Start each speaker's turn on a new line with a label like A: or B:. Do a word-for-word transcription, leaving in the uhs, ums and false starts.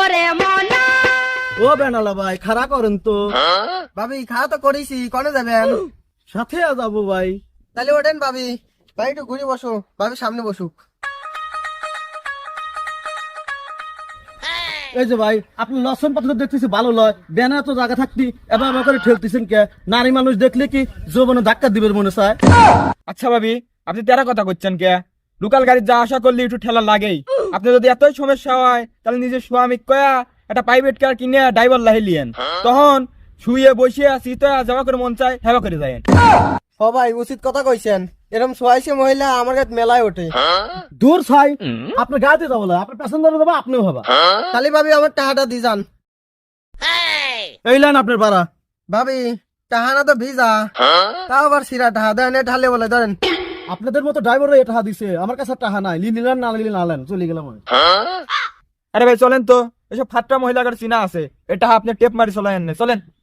A: ও বেনালা ভাই খাড়া করেন তো।
B: ভাবি খাওয়া তো করেছি, কনে যাবেন?
A: সাথে যাবো ভাই।
B: তাহলে ওঠেন ভাবি, ভাই একটু ঘুরে বসো, ভাবি সামনে বসুক।
A: এই যে ভাই আপনি লসন পাত্র দেখতেছি ভালো লয়, বেনা তো জায়গা থাকতি এবার এবার করে ঠেলতেছেন কে? নারী মানুষ দেখলে কি যৌবনে ধাক্কা দিবেন মনে চায়?
C: আচ্ছা ভাবি, আপনি তেরা কথা করছেন কে? লোকাল গাড়ি যা আশা করলে একটু ঠেলা লাগেই। আপনি যদি এতই সমস্যা হয় তাহলে নিজের স্বামী কয়া একটা প্রাইভেট কার কিনে ড্রাইভার লাহিলিয়েন, তখন শুয়ে বসিয়ে শীতে যাওয়া করে মন চায় হেবা করে যায়।
B: ও ভাই উচিত কথা কইছেন, এরকম সোয়াইছে মহিলা আমার কাছে মেলায় ওঠে।
A: দূর ছাই, আপনার গাড়িতে যাবো না, আপনার প্যাসেঞ্জারে যাবো, আপনিও ভাবা।
B: তাহলে ভাবি আমার টাকাটা দি যান।
A: এই লাইন আপনার ভাড়া।
B: ভাবি টাহানা তো ভিজা, তাও আবার সিরা টাহা দেন, এ ঢালে বলে ধরেন।
A: আপনাদের মতো ড্রাইভারও এটা দিছে, আমার কাছে টাকা নাই, লি নিলেন না নিলেন আলেন, চলে গেলাম আমি।
C: আরে ভাই চলেন তো, এসব ফাটটা মহিলা গাড়ি চিনা আছে, এটা আপনি টেপ মারি চলেন, চলেন।